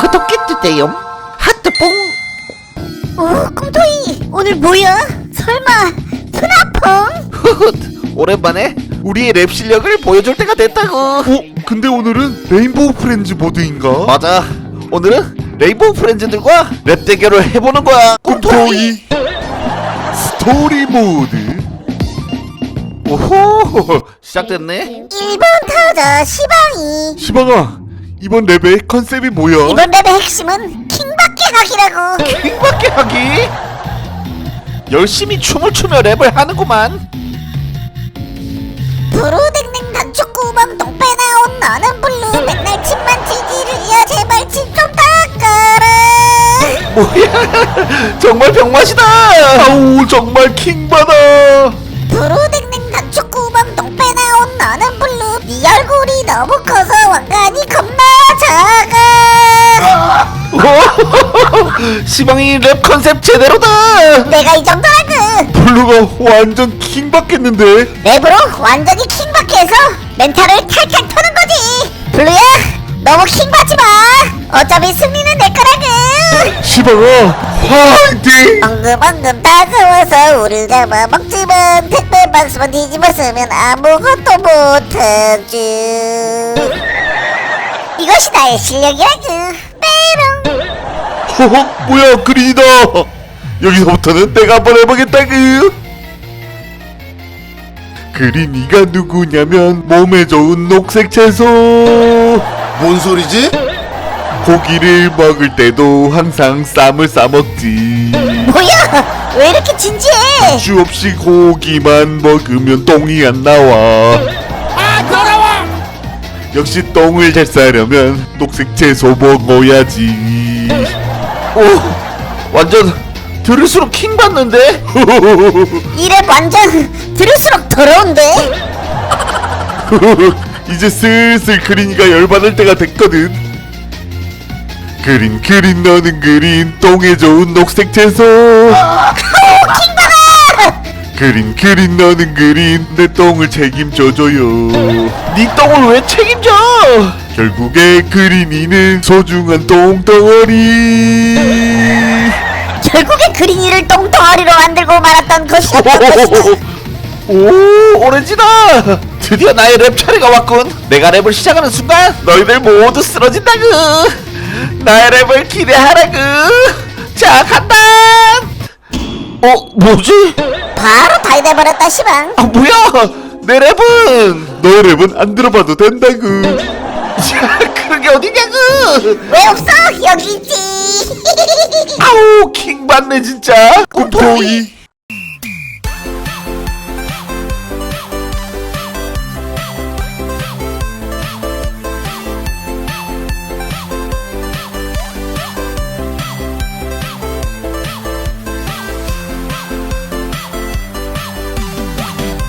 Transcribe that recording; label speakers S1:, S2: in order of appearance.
S1: 구독해주세요. 하트뽕.
S2: 오, 꿈토이 오늘 뭐야? 설마 푸나퐁?
S1: 후훗, 오랜만에 우리의 랩 실력을 보여줄 때가 됐다고.
S3: 근데 오늘은 레인보우 프렌즈 모드인가?
S1: 맞아, 오늘은 레인보우 프렌즈들과 랩 대결을 해보는 거야.
S3: 꿈토이 스토리 모드.
S1: 오호, 시작됐네.
S2: 1번 타자 시방이.
S3: 시방아, 이번 랩의 컨셉이 뭐야?
S2: 이번 랩의 핵심은 킹받게 하기라고.
S1: 킹받게 하기. 열심히 춤을 추며 랩을 하는구만.
S2: 브루댕댕 단축구멍 똥배 나온 너는 블루 맨날 침만 튀기르야 제발 침 좀 닦아라.
S1: 뭐야, 정말 병맛이다.
S3: 아우, 정말 킹받아.
S2: 브루댕댕 단축구멍 똥배 나온 너는 블루 네 얼굴이 너무 커서 왕관이 겁나 작아.
S1: 시방이 랩 컨셉 제대로다.
S2: 내가 이 정도라고.
S3: 블루가 완전 킹받겠는데?
S2: 랩으로 완전히 킹받게 해서 멘탈을 탈탈 터는 거지. 블루야 너무 킹받지 마. 어차피 승리는 내 거라고.
S3: 시방아, 화이팅!
S2: 엉금엉금 다가와서 우릴 잡아먹지만 택배 박스만 뒤집었으면 아무것도 못하지. 이것이 나의 실력이라고. 빼롱.
S3: 허허, 뭐야, 그린이다. 여기서부터는 내가 한번 해보겠다구. 그린이가 누구냐면 몸에 좋은 녹색 채소.
S4: 뭔 소리지?
S3: 고기를 먹을 때도 항상 쌈을 싸먹지.
S2: 뭐야 왜 이렇게 진지해.
S3: 주 없이 고기만 먹으면 똥이 안 나와. 역시 똥을 잘 싸려면 녹색 채소 먹어야지.
S1: 오, 완전 들을수록 킹 받는데.
S2: 이랩 완전 들을수록 더러운데.
S3: 이제 슬슬 그린이가 열받을 때가 됐거든. 그린 너는 그린 똥에 좋은 녹색 채소. 그린 너는 그린 내 똥을 책임져줘요.
S1: 네 똥을 왜 책임져?
S3: 결국에 그린이는 소중한 똥덩어리.
S2: 결국에 그린이를 똥덩어리로 만들고 말았던 것이었던 것이다.
S1: 오, 오렌지다. 드디어 나의 랩 차례가 왔군. 내가 랩을 시작하는 순간 너희들 모두 쓰러진다구. 나의 랩을 기대하라구. 자, 간다. 뭐지?
S2: 바로 다 돼버렸다 시방.
S1: 아, 뭐야? 내 랩은.
S3: 너의 랩은 안 들어봐도 된다구.
S1: 자, 그런 게 어디냐구.
S2: 왜 없어? 여기 있지.
S1: 아우, 킹 받네 진짜.
S3: 꿈토이